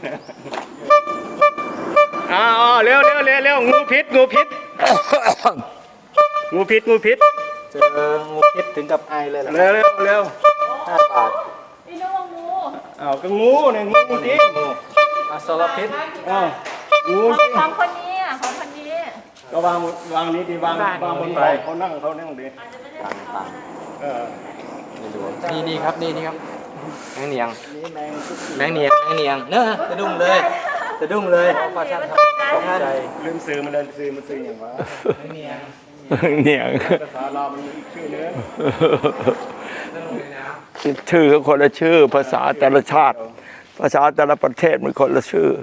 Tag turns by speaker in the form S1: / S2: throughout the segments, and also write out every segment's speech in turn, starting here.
S1: อ๋อเร็วงูพิษงูพิษงูพิษ
S2: เจองูพิษถึงกับไอเลยเหรอ
S1: เร็ว
S2: 5 บาท
S3: นี่นึกว่างู
S1: อ้าวก็งูเนี่ยงูจริง
S2: อสรพิษ
S1: อ้าวงูจริง
S3: ของคนนี้อ่ะของคนนี้
S1: ก็วางนี้ดีวางบนไปเขานั่งดี
S2: ต่าง
S1: เออ
S2: นี่ครับนี่ครับแมงเนียง
S1: นี่แมงทุก
S2: แมงเนียงเนอะสะดุ้งเลยขอท่านครับขอใจ
S1: ลืมซื้อมันเลยซื้ออย่างวะ
S2: แมงเนียง
S4: เนี่ย
S1: ภาษาเรามันมีอีกชื่อนึง
S4: ชื่อก็คนละชื่อ ภาษาแต่ละชาติ ภาษาแต่ละประเทศมันคนละชื่อ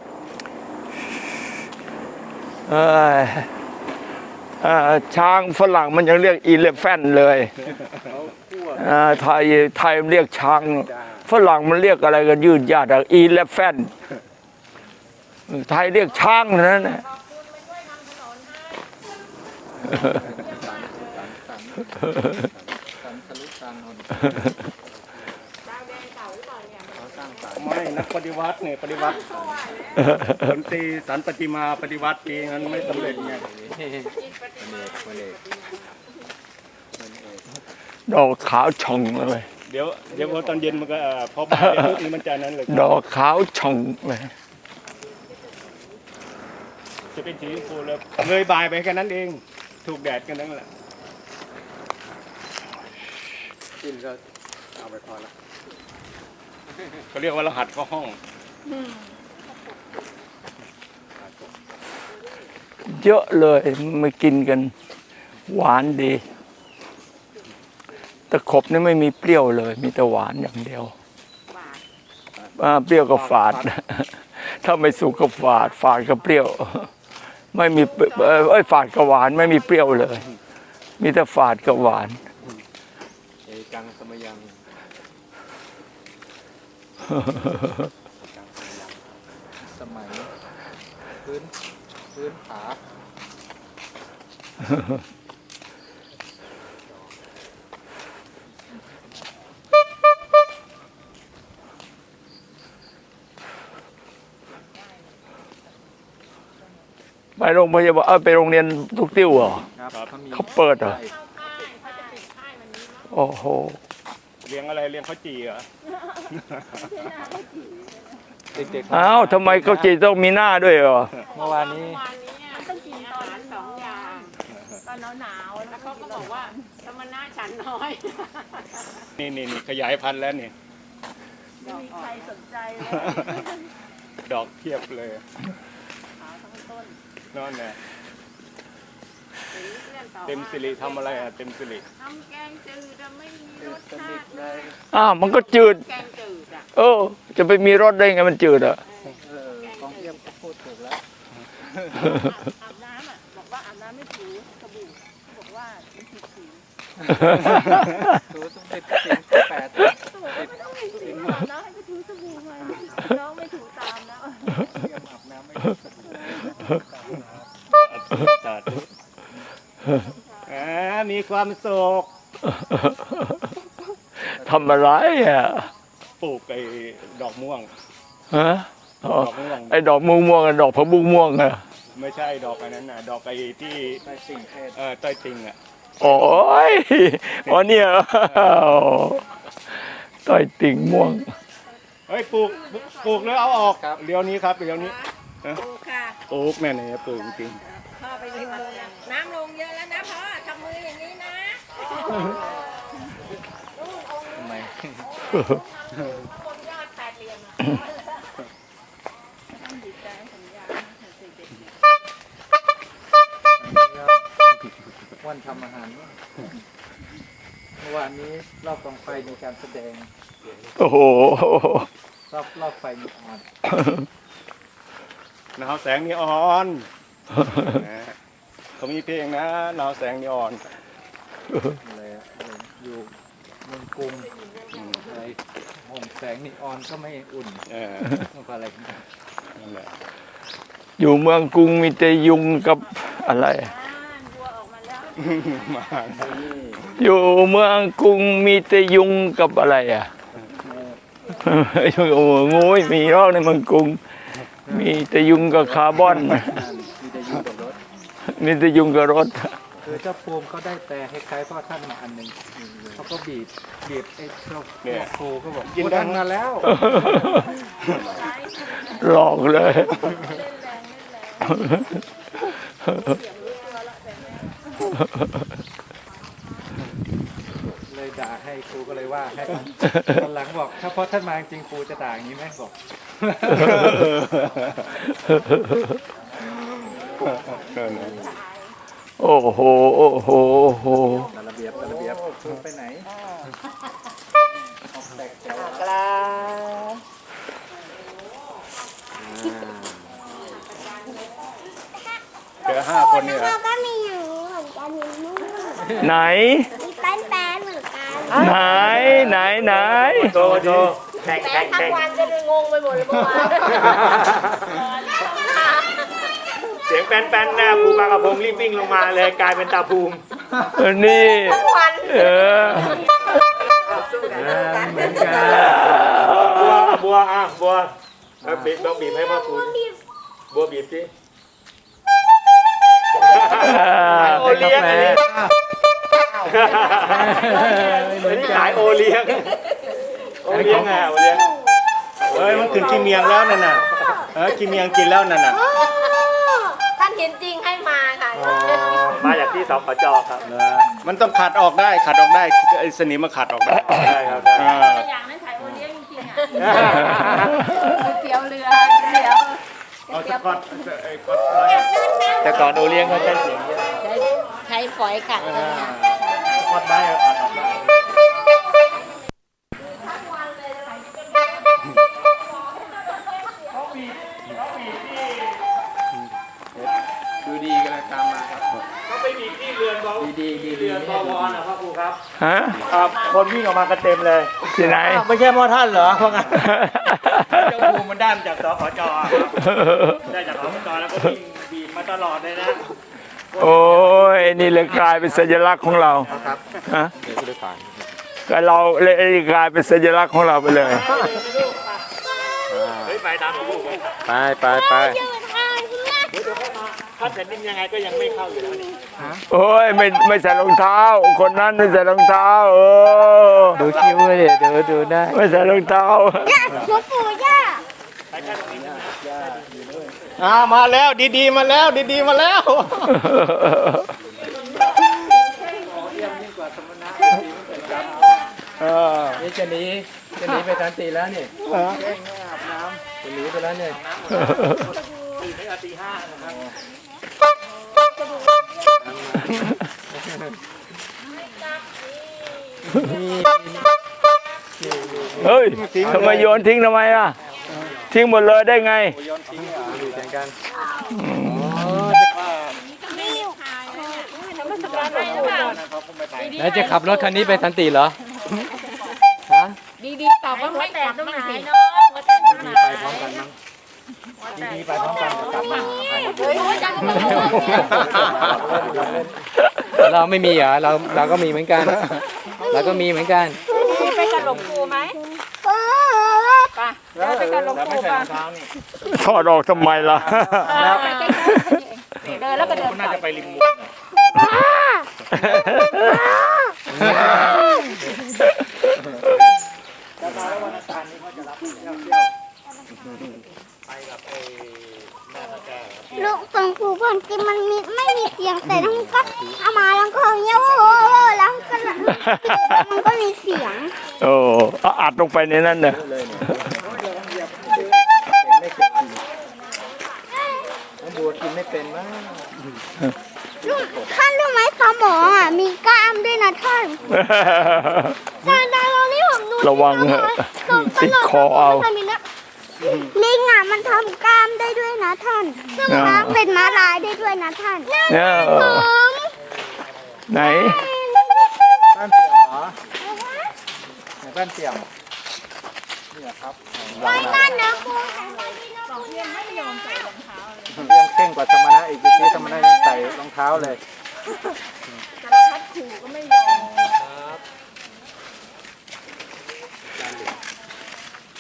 S4: ช้างฝรั่งมันยังเรียกอีเลฟแฟนเลยไทยมันเรียกช้างฝรั่งมันเรียกอะไรกันยืดยาดอีเลฟแฟนไทยเรียกช้างนั่นแหละ
S1: ไม่นักปฏิวัติเนี่ยปฏิวัติผลตีสันปฏิมาปฏิวัติเองนั้นไม่สำเร็จไง
S4: ดอกขาวช่องเลย
S1: เดี๋ยวพอตอนเย็นมันก็พอบ่ายปุ๊บนี่มันจะนั้นเลย
S4: ดอกขาวช่องเลย
S1: จะเป็นสีชมพูแล้วเลยบ่ายไปแค่นั้นเองถูกแดดกันนั่นแหละกินก็เอาไปพอแล้วเขาเรียกว่ารหัสเข้าห้อง
S4: เยอะเลยมากินกัน หวานดีตะขบนี่ไม่มีเปรี้ยวเลย มีแต่หวานอย่างเดียวเปรี้ยวก็ฝาด ถ้าไม่สุกก็ฝาดก็เปรี้ยว ไม่มีฝาดกับหวานไม่มีเปรี้ยวเลย มีแต่ฝาดกับหวาน
S2: เอกังสมยังสมัยพื้นผา
S4: ไปโรงพยาบาลไปโรงเรียนทุกติ้วเหรอ
S2: ครับ
S4: เขาเปิดเหรอ โอ้โห
S1: เลี้ยงอะไรเลี้ยงข้าวจี่เหรอ
S2: เด็กๆ
S4: อ้าวทำไมเขาจีต้องมีหน้าด้วยเหรอ
S2: เมื่อวานนี้
S3: ต้องกินตอนนั้น2 อย่างตอนหนาวๆแล้วเขาก็บอกว่าสมณะฉันน้อย
S1: นี่ขยายพันธุ์แล้วนี่
S3: ไม่มีใครสนใจเลย
S1: ดอกเทียบเลย
S3: ขาวทั้งต้น
S1: นั่นแหละ
S3: เรื่องต่อ
S1: เต็มสิริทำอะไรอ่ะเต็มสิริ
S3: ทำแกงจืดไม่มีรสชาติเลย
S4: อ้าวมันก็จืด
S3: แกงจืดอ่ะ
S4: จะไปมีรสได้ไงมันจืดอ่ะ
S2: กองเทียมก็พูดถูกแล้ว
S3: อาบน้ำอ่ะบอกว่าอาบน้ำไม่ถูสบู่บอกว่ามันผิดสี
S2: ถูสมเด็จพระสิงห์ที่8
S3: ไม่ต้องมีสีอาบน้ำให้ไปถูสบู่มาน้องไม่ถูตามแล้ว
S2: เทียมอาบน้ำไม่ถูสบู่
S1: สาธุมีความสุข
S4: ทำอะไรอ่ะ
S1: ปลูกไอ้ดอกม่วง
S4: ฮะ
S1: ดอกม่วง
S4: ไอ้ดอกม่วงกับดอกผักบุ้งม่วงอ่ะ
S1: ไม่ใช่ดอกอันนั้นน่ะดอกไอ้ที่
S2: ใต้สิ่งเทศ
S1: ใต้ติงอ่ะ
S4: โอ้ยอ๋อเนี่ยต้อยติ่งม่วง
S1: เฮ้ยปลูกแล้วเอาออกเดี๋ยวนี้ครับเดี๋ยวนี้
S3: ถูค่ะ
S1: ปลูกแน่เนี่ยปลูกจริง
S3: พ่อไปริมมือน้ำลงเยอะแล้วนะพ่อทำมืออย่างนี้นะ
S2: ทำไม
S3: บนยอดแปดเหลี่ยมอ่ะต้องดีใจสัญญาเด็กๆ
S2: วันทำอาหารเมื่อวานนี้รอบกองไฟมีการแสดง
S4: โอ้โห
S2: รอบไฟมีอ่อน
S1: หนาวแสงนีออนเขามีเพลงนะหนาวแสงนีออน
S2: อะไรอะอยู่เมืองกรุงอะไรห่มแสงนีออนก็ไม่อุ่นมันก็อะไรกัน
S1: นั่นแหละ
S4: อยู่เมืองกรุงมีแต่ยุงกับอะไร
S3: บัวออกมาแล้ว
S1: มา
S4: อยู่เมืองกรุงมีแต่ยุงกับอะไรอ่ะโอ้โหงูไม่มีหรอกในเมืองกรุง มีแต่ยุงกับคาร์บอน
S2: มีแต่อยู่กับรถ
S4: มีแต่ยุงกับรถ
S2: คือเจ้าภูมิเขาได้แต่ให้คล้ายพ่อท่านมาอันหนึ่งเขาก็บีบไอ้เจ้าครูก็บอกกินท่านมาแล้ว
S4: หลอกเลย
S2: เลยด่าให้ครูก็เลยว่าให้ตอนหลังบอกถ้าพ่อท่านมาจริงครูจะด่าอย่างนี้ไหมบอก
S4: โอ้โหโอ้โหโอ้โห
S2: ตระเบียบครูไปไหน
S1: เจอ5 คนเนี่ย
S5: เราก็มีอย่างนี้เหมือนกันมีนู่น
S4: ไหน
S5: มีแป้นๆเหมือนกัน
S4: ไหน
S1: โตโต
S3: แป้งทั้งวันจะเลยงงไปหมดเลยเมื่อวาน
S6: เสียงแป้นๆนะภูปากระพงรีบวิ่งลงมาเลยกลายเป็นตาภูมิ
S4: นี่เออ
S2: เหมือนกัน
S6: บัวเอาบีบลองบีบให้พ่อภูมิบัวบีบสิโอเลี้ยงอันนี้ขายโอเลี้ยงโอเลี้ยงอ่ะโอเลี้ยง
S1: เฮ้ยมันถึงกินเมียงแล้วนั่นน่ะกินเมียงกินแล้วนั่นน่ะ
S3: ท่านเห็นจริงให้มาค่ะ
S6: มาจากที่สปจครับ
S1: มันต้องขัดออกได้ไอ้สนิมมาขัดออกได้
S6: ได้ครับได้
S3: อย่างนั้นขายโอเลี้ยงจริงๆอ่ะเตี๋ยวเรือเตี๋ยว
S1: เอาสกอตไอ้ก๊อต
S6: แต่ก่อนโอเลี้ยงเขาใช้เสียงเยอะ
S3: ใช้ฝอยขัด
S1: สกอตได้ขัดออกได้
S2: ดูดีกำลังตามมาครับ
S6: เขาไปบีบที่เรือนบอ
S2: ดี
S6: เรือนบวรนะพ่อครูครับ
S4: ฮะ
S6: คนวิ่งออกมากันเต็มเลย
S4: ที่ไหน
S6: ไม่ใช่พ่อท่านเหรอเพราะงั้นเจ้าภูมิมันได้มาจากสปจได้จากสปจแล้วก็วิ่งบีบมาตลอดเลยนะ
S4: โอ้ยนี่เลยกลายเป็นสัญลักษณ์ของเราฮะก็เราเลยกลายเป็นสัญลักษณ์ของเราไปเลย
S6: เฮ้ยไปตามพ่อครูไป
S2: ไป
S6: ถ้าแผ่นดินยังไงก็ยังไม่เข้าอยู่แล้วนี่
S4: โอ้ยไม่ใส่รองเท้า คนนั้นไม่ใส่รองเท้า
S2: ดูคิ้วเลยดูได้
S4: ไม่ใส่รองเท้า
S5: ย่าหลวงปู่ย่า
S6: ไปแค่ตรงนี้ใช่ไหม
S1: มาแล้วดีๆมาแล้วดีๆมาแล้ว
S2: นี่จะหนีไปทันตีแล้วนี่จะหนีไปแล้วเนี่ย
S6: ตื่นไม่เอาตีห้านะครับ
S4: เฮ้ยทำไมโยนทิ้งทำไมอ่ะ ทิ้งหมดเลยได้ไง
S2: ดูแข่งกัน แล้วจะขับรถคันนี้ไปทันตีเหรอ
S3: ดีๆตอบว่าไม่แตกตรงไหนเนาะว่าแตกตรงไหน
S2: ไปพร้อมกันมั้งดีๆไปพร้อมกันกลับมา
S3: เฮ้ยจังเลย
S2: เราไม่มีเหรอเราก็มีเหมือนกัน เราก็มีเหมือนกัน
S3: ไปกับหลวงปู่ไหมไปไปกับหลวงปู่ป่ะ
S4: ถอดออกทำไมล่ะ
S3: ไปใกล้ๆเดินแล้วก็เดิน
S6: น่าจะไปริมมุก
S5: ลูกหลวงปู่ก่อนกินมันไม่มีเสียงแต่ทั้งก็เอามาแล้วก็เงี้ยโอ้โหแล้วก็มันก็มีเสียง
S4: โอ้เอาอัดลงไปในนั้นเนอะ
S2: บัวกินไม่เป็นมั้ง
S5: ท่านรู้ไหมสมองอ่ะมีกล้ามด้วยนะท่านแต่ตอนนี้ผมดู
S4: ระวังเถอะติดคอเอา
S5: ลิงอ่ะมันทำกล้ามได้ด้วยนะท่านซึ่งม้าเป็นม้าลายได้ด้วยนะท่าน
S4: เนี่ย
S5: ผม
S4: ไหน
S2: บ้านเสี่ยมเหรอไหนบ้านเสี่ยมนี่ครับ
S5: ไว้นั่นนะครู
S2: เรื่องเข่งกว่าสมณะอีกที่สมณะยังใส่รองเท้าเลย
S5: เ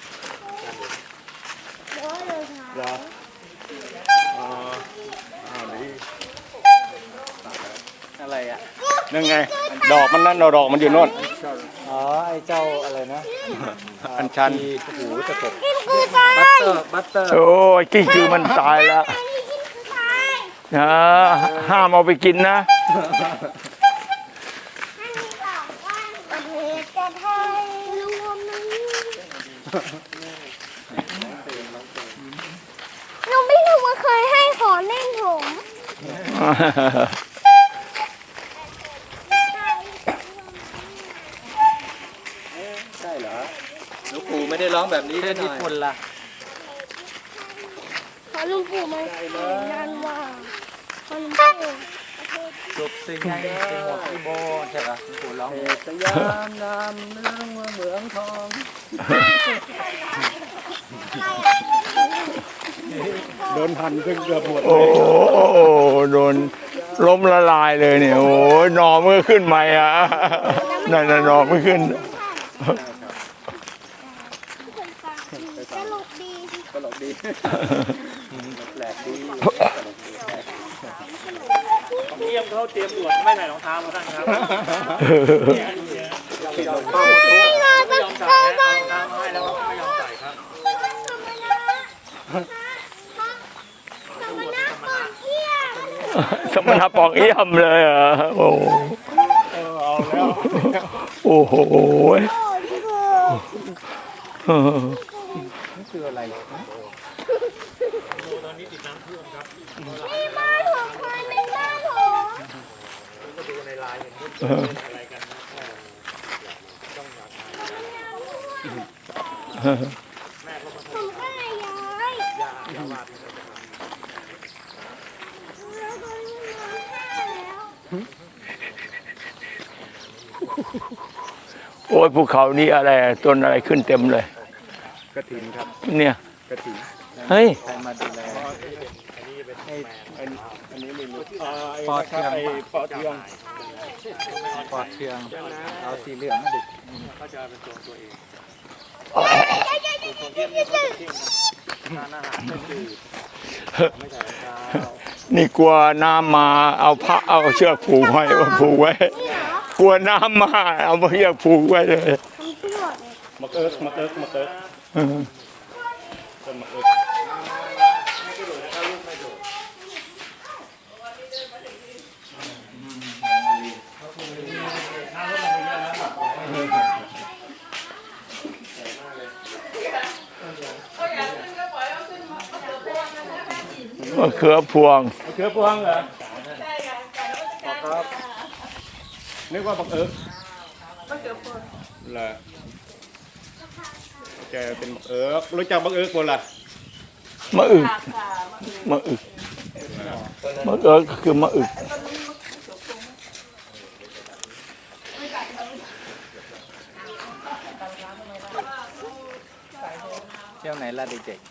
S1: นั่นไง ดอกมันนั่นดอกมันอยู่โน่น
S2: อ๋อไอ้เจ้าอะไรนะ
S1: อัญชัน
S2: โอ้โหตะกบ
S5: กินคือตาย
S2: บัตเตอร์
S4: โอ้ยกิ้งคือมันตายแล้ว
S5: อันนี้กินคือตาย
S4: นะห้ามเอาไปกินนะ
S5: ให้มีสองวันประเทศจะไทยรวมนั้นหนูไม่รู้ว่าเคยให้ขอเล่นผม
S2: ใช่เหรอหลวงปู่ไม่ได้ร้องแบบนี้ด้วยญี่ปุ่นล่ะ
S5: ขอลุงปู่มายันว่าขอลุงปู่
S2: จุบสิงไงสิงหมดที่โบใช่ปะหลวงปู่ร้องสยามนามเมืองเมืองทอง
S1: โดนพันซึ่งเกือบหมด
S4: โอ้โหโดนล้มละลายเลยเนี่ย โอ้ยหนอมือขึ้นใหม่อ่ะนั่นน่ะหนอมือขึ้น
S5: ตลกดี
S2: ตลกดีแปลกดี
S6: เยี่ยมเขาเตรียมตรวจไม่ใส่รองเท้ามาท่านครับไม่ยอมใส่นะรองเท้ามาให้แล้วไม่ยอมใส่ครับ
S4: สมณะปองเอี่ยมเลยอ่ะโอ้โห
S1: เอาแล้ว
S4: โอ้โห
S2: นี่คืออะไร
S5: บ้านของใครเป็นบ้านของ ผมก็เลยย้าย
S4: โอ้ยภูเขานี่อะไรต้นอะไรขึ้นเต็มเลย
S1: กระถินครับ
S4: เนี่ย
S1: กระถิน
S4: เฮ้ย
S2: ใครมาดูแลให้
S1: อันนี้ไม่รู้
S2: ปอเทือง
S1: ไอ้ปอเทือง
S2: ปอดเทืองเอาสีเหลืองมาดิ
S6: ก็จะเป็นตัวเอง
S5: เ
S6: ทานอาหารก็คือไม่ใส่รองเท้า
S4: นี่กลัวน้ำมาเอาพระเอาเชือกผูกไว้ผูกไว้ กลัวน้ำมาเอาเชือกผูกไว้เลย
S1: มะเอิกมะเอิกมะเอิกต้นมะเอิก
S4: มะเขือพวง
S1: มะเขือพวงเหรอครับนึกว่าบักเอิกมะเขือพวงเหรอแกเป็นบักเอิกรู้จักบักเอิกคนละ
S4: มะอึกมะอึกมะเอิกคือมะอึก
S2: เที่ยวไหนล่ะเด็ก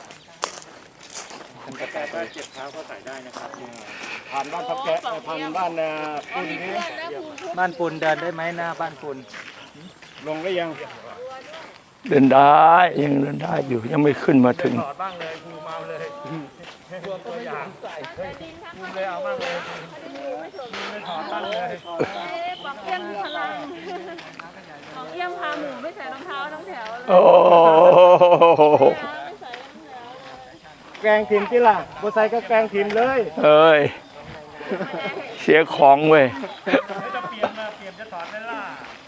S6: ท่านกระแตถ้าเจ็บเท้าก็ใส่ได้นะครับ
S1: ผ่านบ้านพับแกะผ่านบ้านคุณนี้
S2: ๆบ้านปูนเดินได้ไหมหน้าบ้านปูน
S1: ลงได้ยัง
S4: เดินได้ยังเดินได้อยู่ยังไม่ขึ้นมาถึง
S6: ถอดบ้างเลยภูมิเอาเลยพวกตัวอย่างภูมิเลยเอาบ้างเลยภูมิเลยถอดบ้างเลย
S3: ปอกเอี้ยมพลังปอกเอี้ยมพาหมูไม่ใส่รองเท้าทั้งแถวเลย
S4: โอ้โห
S3: ไม่ใส่รองเท้า
S1: แกงทิมที่ล่ะบัวไซก็แกงทิมเลย
S4: เอ้ยเสียของเว้ย
S6: จะเปลี่ยนจะถอดได้ล่ะ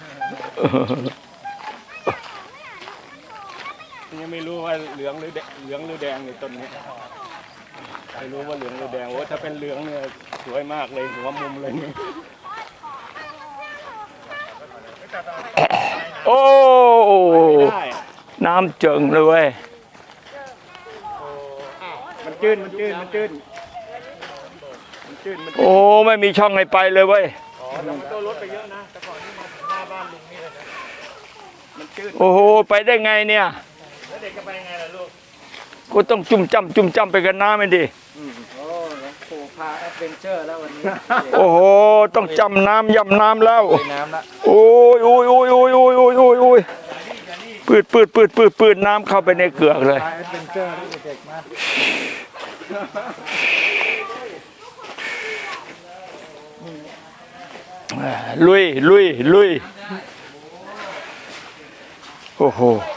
S1: ยังไม่รู้ว่าเหลืองหรือแดงในต้นนี้ไม่รู้ว่าเหลืองหรือแดงโอ้ถ้าเป็นเหลืองเนี่ยสวยมากเลยหัวมุมเลยนี่
S4: โอ้
S1: ได้
S4: น้ำเจิงเลยเว้ย
S1: มันจืดมันจืดมันจืดมันจืดมันจืด
S4: โอ้ไม่มีช่องให้ไปเลยเว้ย
S6: อ๋อแต่มันก็ลดไปเยอะนะแต่ก่อนนี่มาถึงหน้าบ้านลุงนี่เลยนะ
S1: มันจืด
S4: โอ้โหไปได้ไงเนี่ย
S6: แล้วเด็กจะไปยังไงล่ะลูก
S4: ก็ต้องจุ่มจ้ำไปกันน้ำไม่ดี
S2: โอ้หลวงปู่พาแอดเวนเจอร์แล้ววันนี้
S4: โอ้โหต้องจำน้ำย่ำน้ำแล้ว
S2: ลุยน้ำละ
S4: โอ้ยปืดน้ำเข้าไปในเกือกเลย
S2: พาแอดเวนเจอร์เด็กๆมา
S4: ลุยลุยลุยโอ้โห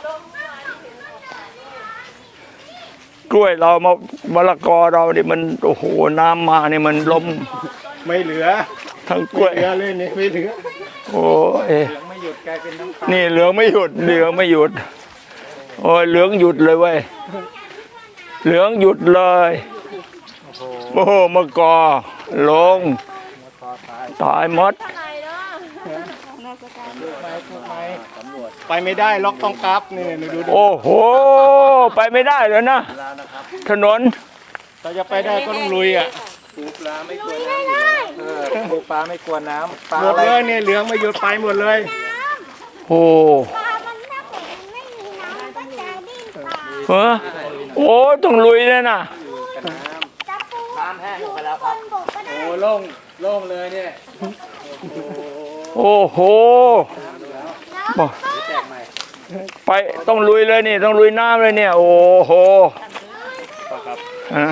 S4: กล้วยเรามะละกอเราเนี่ยมันโอ้โหน้ำมาเนี่ยมันล้ม
S1: ไม่เหลือ
S4: ทั้งกล้วย
S1: เหลือเลยนี่ไม่เหลือ
S4: โอ้ย
S2: เหลืองไม่หยุดกลายเป็นน้ำตาล
S4: นี่เหลืองไม่หยุดเหลืองไม่หยุดโอ้ยเหลืองหยุดเลยเว้ยเหลืองหยุดเลยโอ้โหมะกอลงตายหมด
S1: ไปไม่ได้ล็อกต้องกลับนี่ดู
S4: โอ้โหไปไม่ได้เลยนะถนน
S1: ถ้าจะไปได้ก็ต้องลุยอ่ะ
S2: ปูปลาไม่กลัวน้ำปูปลาไม่กลัวน้ำปลา
S1: หมด
S2: อะไร
S1: เลยเนี่ยเหลืองไม่หยุดไปหมดเลย
S4: โอ้
S5: ปลามันถ้าเกิดมันไม่มีน้ำมันก็จะดิ้นปลา
S4: เออโอ้ต้องลุยเลยนะ
S5: จะปูอยู่บนบกก็ได้
S2: โอ้โล่งโล่งเลยเนี่ย
S4: โอ้โหบอกไปต้องลุยเลยนี่ต้องลุยน้ำเลยเนี่ย โอ้โหฮะ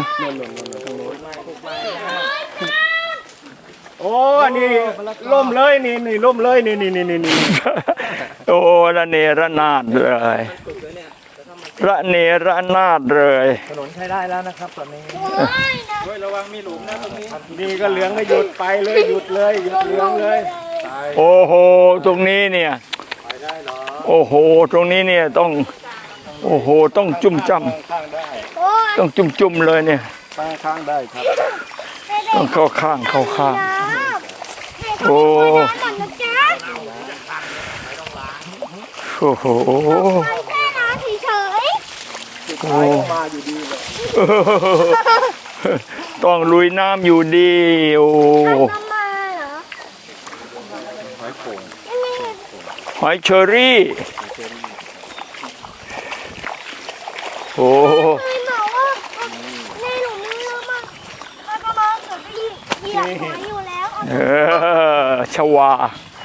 S1: โอ้นี่ล่มเลยนี่ล่มเลยนี่
S4: โอ้ระเนระนาดเลยระเนระนาดเลย
S2: ถนนใช้ได้แล้วนะครับตอนนี้
S5: โอ้ยนะ
S2: ด้วยระวังมีหลุมนะตรงนี้
S1: นี่ก็เหลืองไม่หยุดไปเลยหยุดเลยหยุดเหลืองเลย
S4: โอ้โหตรงนี้เนี่ยโอ้โหตรงนี้เนี่ยต้องโอ้โหต้องจุ่มจ้ำ
S1: ข้างได้
S5: โอ้ย
S4: ต้องจุ่มเลยเนี่ย
S1: ข้างได้ครับ
S4: ต้องเข้าข้างเข้าข้าง
S5: น้ำให้เขา
S4: โอ้
S5: ดูน้ำก่อนนะจ๊ะ
S4: โอ้โห
S5: ไม่แค่น้ำเฉย
S4: โอ้
S1: มาอยู่ดีเลย
S4: ต้องลุยน้ำอยู่ดีโอ้
S5: ๆน้ำมาเหรอไม่มี
S4: หอยเชอรี่โอ้
S5: เคยบอกว่าในหลุมนี้เรามาแล้วก็มาเกิดไปเหยียบหอยอยู่แล้ว
S4: เออชวา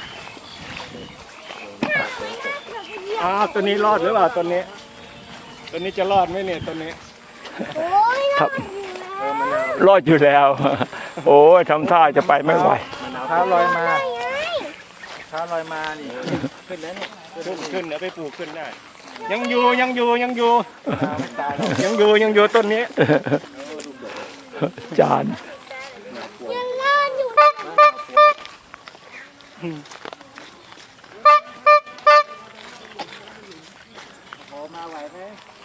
S1: ตัวนี้รอดหรือเปล่าตัวนี้จะรอดไหมเนี่ยตัวนี้
S5: โอ้ย
S4: ครับ
S5: น่าอยู่แล้ว
S4: รอดอยู่แล้ว โอ้ยทำท่าจะไปไม่ไหว
S2: เท้าลอยมา
S5: ไง
S2: เท้าลอยมานี่ขึ้นแล้วนี่
S1: ขึ้นเดี๋ยวไปปลูกขึ้นได้ ยังอยู่ยังอยู่
S2: ไม่ตายหรอก
S1: ยังอยู่ต้นนี้
S4: จาน
S5: ยังรอดอยู่
S2: โอ้มาไหวไหม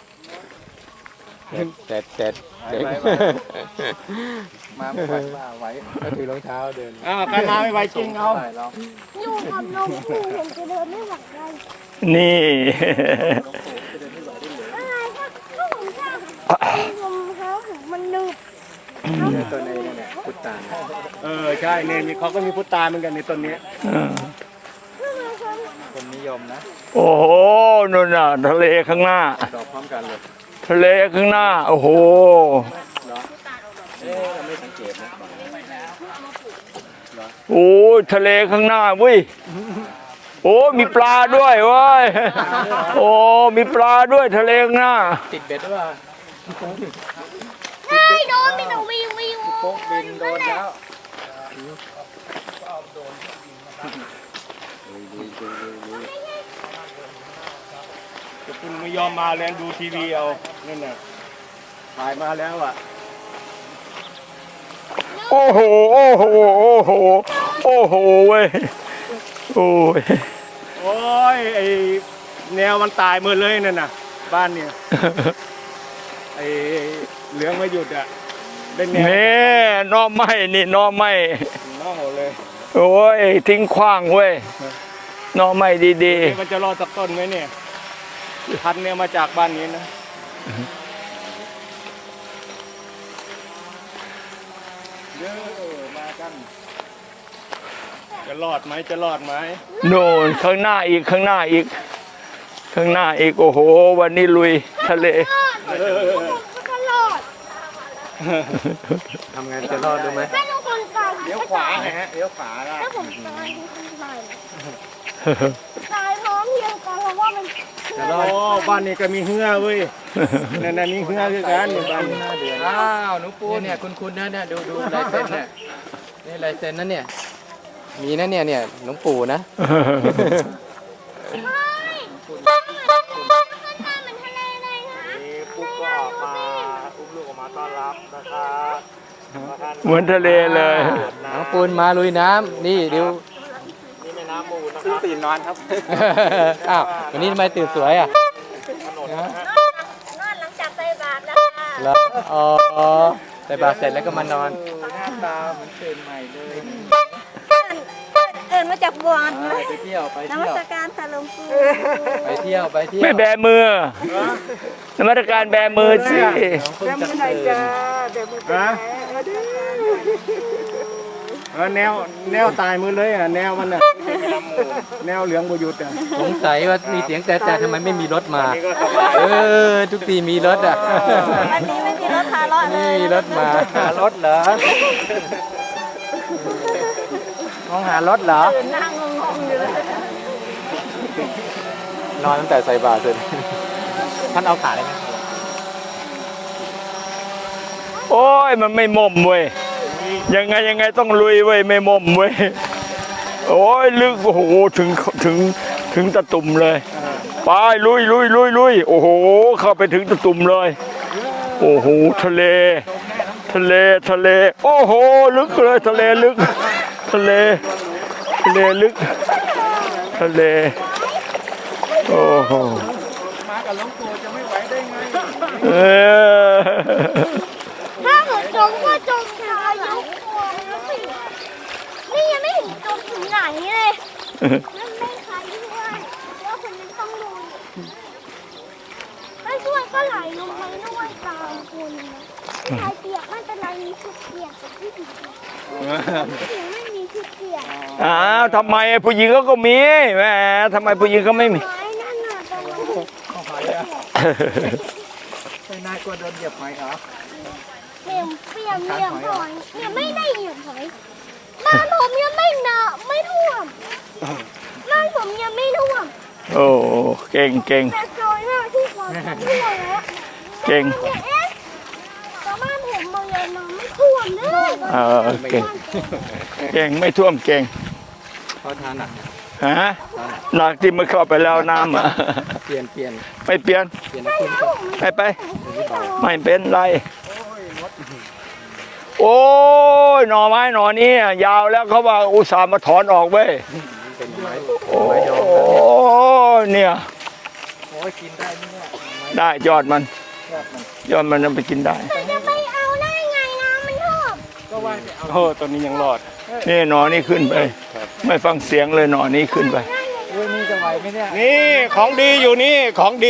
S1: เด็ด
S2: ไหวมาไม่ไหวมาไหวก็ถือรองเท้าเดิน
S1: ใครมาไม่ไหวจริงเอา
S2: ไหวหรอก
S5: อยู่กับลมปู่ผมจะเดินไม่ไหวเลย
S4: นี่
S5: อะไรก็ผมชอบลมเท้าผมมันหนึบ
S2: เนี่ยตัวในเนี่ยพุทธา
S1: ใช่เนี่ยเขาก็มีพุทธาเหมือนกันในต้นนี้
S2: คนนิยมนะ
S4: โอ้โหนู่นน่ะทะเลข้างหน้า
S2: ดอกพร้อมกันเลย
S4: ทะเลข้างหน้า โอ้โห
S2: เราไม่สังเกตนะ
S4: โอ้ยทะเลข้างหน้าเว้ยโอ้มีปลาด้วยเว้ยโอ้มีปลาด้วยทะเลข้างหน้า
S2: ติดเบ็ดหรือเปล่า
S5: ใช่โดนมีแต่วิววิว
S2: โป๊กบินโดนแล้ว
S1: คุณไม่ยอมมาแล้วดูทีวีเอานั่นน่ะถ่ายมาแล้วอ่ะ
S4: โอ้โหโอ้โหโอ้โหโอ้โหเว้ยโอ้ย
S1: โอ้ยไอแนวมันตายหมดเลยนั่นน่ะบ้านเนี่ยไอเหลืองไม่หยุดอ่ะได้แนว
S4: นี่หน้อไม้นี่หน้อไม้
S1: เน่าเลย
S4: โอ้ยทิ้งขว้างเว้ยหน้อไม้ดี
S1: เอ๊ะมันจะรอดสักต้นไหมเนี่ยพันธุ์เนี่ยมาจากบ้านนี้นะเด้อมากันจะรอดไหมจะรอดไหม
S4: ๆโน่นข้างหน้าอีกข้างหน้าอีก ข้างหน้าอีกโอ้โหวันนี้ลุยทะเล
S5: ตลอด
S2: ทำไงจะรอดดูไหม
S5: ถ้าทุกคนตาย
S1: เลี้ยวขวาไงฮะเลี้ยวขวาละ
S5: ถ้าผมตายทุกคนตายตายพร้อมเพรียงกันเพราะว่ามัน
S1: โอ้บ้านนี้ก็มีเหือเว้ยนั่นนี่เหือคือกันนี่บ้านนี้
S2: อ้าวหนูปูเนี่ยคุณนะเนี่ยดูลายเซ็นเนี่ยนี่ลายเซ็นนั่นเนี่ยมีนะเนี่ยหลวงปู่นะ
S1: มีปุ๊กก็ออกมาอุ้มลูกออกมาต้อนรับนะครับ
S4: เหมือนทะเลเลย
S2: น้องปูนมาลุยน้ำนี่ดู
S1: นี่แม่น้ำมูลนะครับตื่นนอนครับ
S2: อ้าววันนี้ทำไมตื่นสวยอ่ะ
S5: นอนหลังจากใส่บาตรนะคะ
S2: แล้วอ๋อใส่บาตรเสร็จแล้วก็มานอน
S1: หน้าตาเหมือนตื่นใหม่เลย
S5: เอินมาจากบวช
S2: ไปเที่ยวไป
S5: น
S2: เที่
S5: มั
S2: ยว
S5: สการค่ะหลวงปู่
S2: ไปเที่ยวไปเที่ยว
S4: ไม่แบมือ นมัสการแบมือสิ
S2: น้องเพิ่งจะตื่น
S1: ฮะแนวตายมือเลยอ่ะแนวมันอ่ะแนวเหลืองประยุทธ์อ่ะ
S2: สงสัยว่ามีเสียงแต่ทำไมไม่มีรถมา
S1: นี่ก็สบาย
S2: ทุกทีมีรถอ่ะ
S5: วันนี้ไม่มีรถพาเลาะเล
S2: นี่
S5: ย
S2: มีรถมาหารถเหรอมองหารถเหรอ
S5: นั่งงงๆอยู่เลย
S2: นอนตั้งแต่ใส่บาตรเสร็จท่านเอาขาเลยไหม
S4: โอ้ยมันไม่ม่มเว้ยยังไงต้องลุยเว้ยไม่ม่มเว้ยโอ้ยลึกโอ้โหถึงตะตุ่มเลยไปลุยโอ้โหเข้าไปถึงตะตุ่มเลยโอ้โหทะเล โอ้โหลึกเลยทะเลลึกทะเลลึกทะเลโอ้โห
S1: มากับหลวงปู่จะไม่ไหวได้ไง
S4: เออ
S5: ถ้าเกิดจมก็จมถึงอายุควรแล้วสินี่ยังไม่ถึงจมถึงไหนเลยนั่นไม่ใครช่วยแล้วคนนึงต้องลุยไม่ช่วยก็ไหลลงไปด้วยตามคนใครเปียกไม่เป็นไรมีชุดเปียกแต่ที่ถึงไม่มีชุดเปียก
S4: อ้าวทำไมผู้หญิงก็มีแหมทำไมผู้หญิงก็ไม่มี
S5: ไม้นั่นน่ะตรงนั้น
S1: ไม่น่ากลัวโดนเหยียบไหมเหรอ
S5: เปียกหอยเนี่ยไม่ได้เหยียบหอยบ้านผมยังไม่ไม่ท่วมบ้านผมยังไม่ท่วม
S4: โอ้เก่ง
S5: แต่ซอยหน้าที่ความท่วมแล้ว
S4: เก่ง
S5: เนี่ยเอ๊ะแต่บ้านผมมันยังไม่ท่วมเลย
S4: เก่งไม่ท่วมเก่ง
S2: เพราะทานหนัก
S4: ฮะหนักที่มันเข้าไปแล้วน้ำอ่ะ
S2: เปลี่ยน
S4: ไม่เปลี่ยน
S2: คุณ
S4: ไปไม่เป็นไรโอ้ยหน่อไม้หน่อนี้ยาวแล้วเขาว่าอุตส่าห์มาถอนออกเว้ย
S2: เป็นไม้
S4: โอ้ยเนี่ย
S2: โอ้ยกินได้ไหมเนี่ย
S4: ได้ยอดมันจะไปกินได้
S5: แต่จะไปเอาได้ไงน้ำมันท่วม
S2: ก็ว่าจะเอา
S1: โอ้ตัวนี้ยังรอด
S4: นี่หนอนี่ขึ้นไป ไม่ฟังเสียงเลยหนอนี้ขึ้นไป
S2: อุ้ยนี่จะไหวไหมเนี่ย
S1: นี่ของดีอยู่นี่ของดี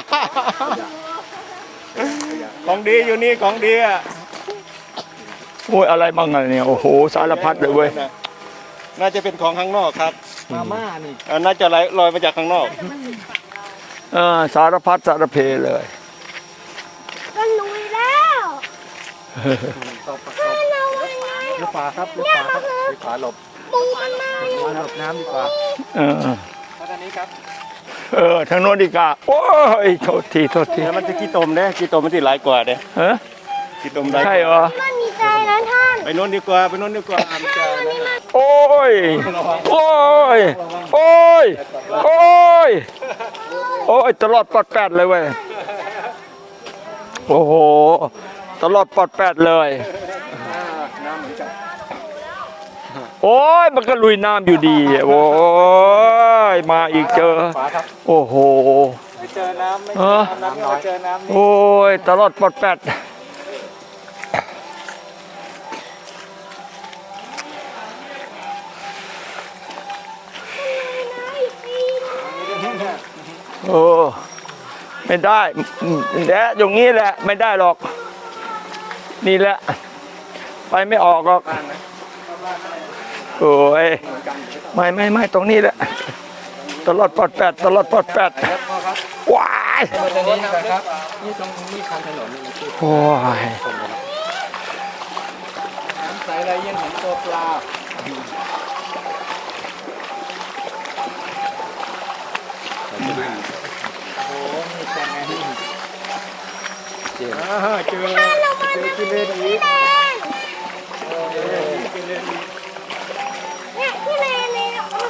S1: ของดีอยู่นี่ของดีอ่ะ
S4: โอ้ยอะไรบ้างอะเนี่ยโอ้โหสารพัดเลยเว้ย
S1: น่าจะเป็นของข้างนอกครับ
S2: มาม่านี่
S1: น่าจะลอยมาจากข้างนอก
S4: สารพัดสารเพเลย
S5: ก็ลุยแล้ว
S2: ตบ
S5: ถ้าเราวันนี้
S2: หรือขวาครับหรือขวาหลบ
S5: ปูมันมาอยู่
S2: หลบน้ำดีกว่า
S4: เออ
S2: เพราะตอนนี้ครับ
S4: ทางโน้นดีกว่าโอ้ยโทษที
S1: แล้วมันจะกี่ตมเด้กี่ตมมันที่หลายกว่าเด้
S4: เออ
S1: กี่ตมได้
S4: ใช่เหรอ
S5: มันมีใจนะท่าน
S1: ไปโน่นดีกว่าไปโน่นดีกว่ามันจะนั่นน่ะ
S4: โอ้ยโอ้ยโอ้ยโอ้ยโอ้ยตลอดปอดแปดเลยเว้ยโอ้โหตลอดปอดแปดเลยโอ้ยมันก็ลุยน้ำอยู่ดีโอ้ยมาอีกเจอ
S2: ขวาครับ
S4: โอ้โห
S1: ไม่เจอน้ำไม่
S4: เออ
S1: น้ำน้อยเจอน้ำ
S4: โอ้ยตลอดปอดแปดโอ้ไม่ได้แดะอย่างนี้แหละไม่ได้หรอก นี่แหละ ไปไม่ออกหรอกโอ้ยไม่ตรงนี้แหละตลอดปอดแปดว้าย
S2: ตรงนี้นะครับนี่ตรงนี้คันถนนนี่มันคือ
S4: โอ้ย
S2: น้ำใสอะไรเย็นเห็นตัวปลาโอ้โหนี่เป็นไงนี่เจ๋ง
S1: เจอกิเลนอีก
S5: เนี่ยที่เล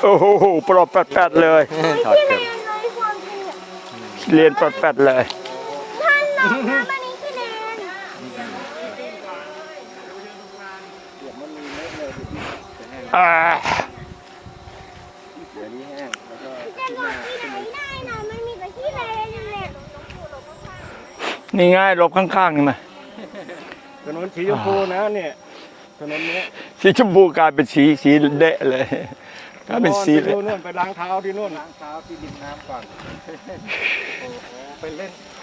S4: โอ้โหปลอดแปดๆเลย
S2: ถอด
S5: ที่
S2: เกือบ
S5: เรียนเลยความจริงอะ
S4: เรียนปลอดแปดเลย
S5: ท่านน้องนะวันนี้ที่เรียน
S4: อ่า
S2: เดี๋ยวนี้แห้งแล้วก็
S5: จะหลบที่ไหนได้นะมันมีแต่ที่เรียนแหละ
S4: นี่ง่ายหลบข้างๆนี่มา
S1: ถนนสีชมพูนะเนี่ยถนนเนี้ย
S4: สีชมพูกลายเป็นสีเดะเลยกลายเป็นสี
S1: ไป
S4: เลย
S1: ดูนู่นไปล้างเท้าที่นู่น
S2: ล้างเท้าที่ริมน้ำก่อน โอ้โหไปเล่น